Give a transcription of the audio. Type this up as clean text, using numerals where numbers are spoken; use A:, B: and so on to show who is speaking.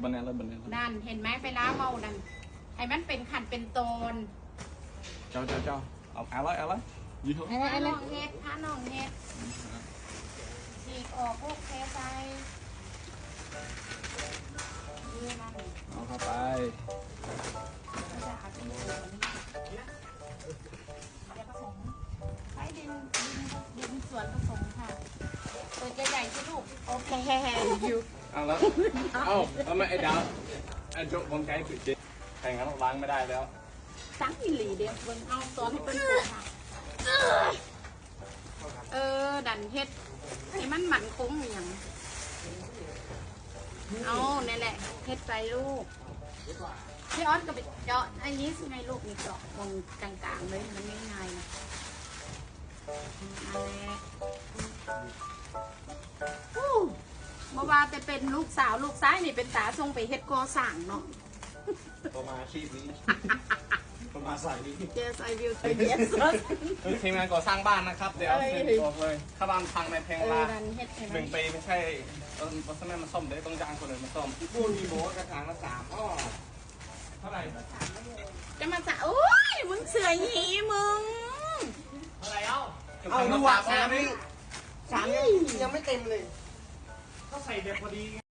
A: บันแนนแล้วบันแนน
B: นั่นเห็นไหมไปล้าเมานั่นให้มันเป็นขันเป็นโตน
A: เจ้าเอาอะไรยี่ห้อ
B: พาน้องเฮ็ดฉีกออกพวกเทใส่
A: เอาเข้าไป
B: ใช้ดินส่วนผสมค่ะตัวใหญ่ๆสิลูกโอเคอยู่
A: เอาแล้วเอาไม่ไอ้ดาวไอ้โจ๊กผมใจสุดจริงแต่งั้นล้างไม่ได้แล้ว
B: ตั้งอิหลีเดียวเบิ่งเอาซอสให้เป็นปูค่ะดันเฮ็ดให้มันหมั่นคงอย่างเอานี่แหละเฮ็ดไปลูกพี่ออสก็ไปเจาะอันนี้สิไงลูกนี่เจาะตรงกลางๆเลยมันไม่ง่ายนะนั่นแหละเมื่อวานไปเป็นลูกสาวลูกซ้ายนี่เป็นตาทรงไปเฮ็ดกอสั่งเนาะ
A: ประมาณชีพนี้ประมาณใส่นี้
B: Yes I will try yes
A: ทีมงานก่อสร้างบ้านนะครับเดี๋ยวบอกเลยถ้าบ้านพังในแพงละ1 ปีไม่ใช่ต้นไม้มาซ่อมเดี๋ยวต้องจ้างคนอื่นมาซ่อมพูดมีโบกระถางละ3 อ้อเท่าไหร่
B: จะมาจะโอ้ยมึงเสือหยีมึง
A: เท่าไหร่เอา
C: ดูว่า3 นี่ยังไม่เต็มเลย
A: เขาใส่เด็กพอดี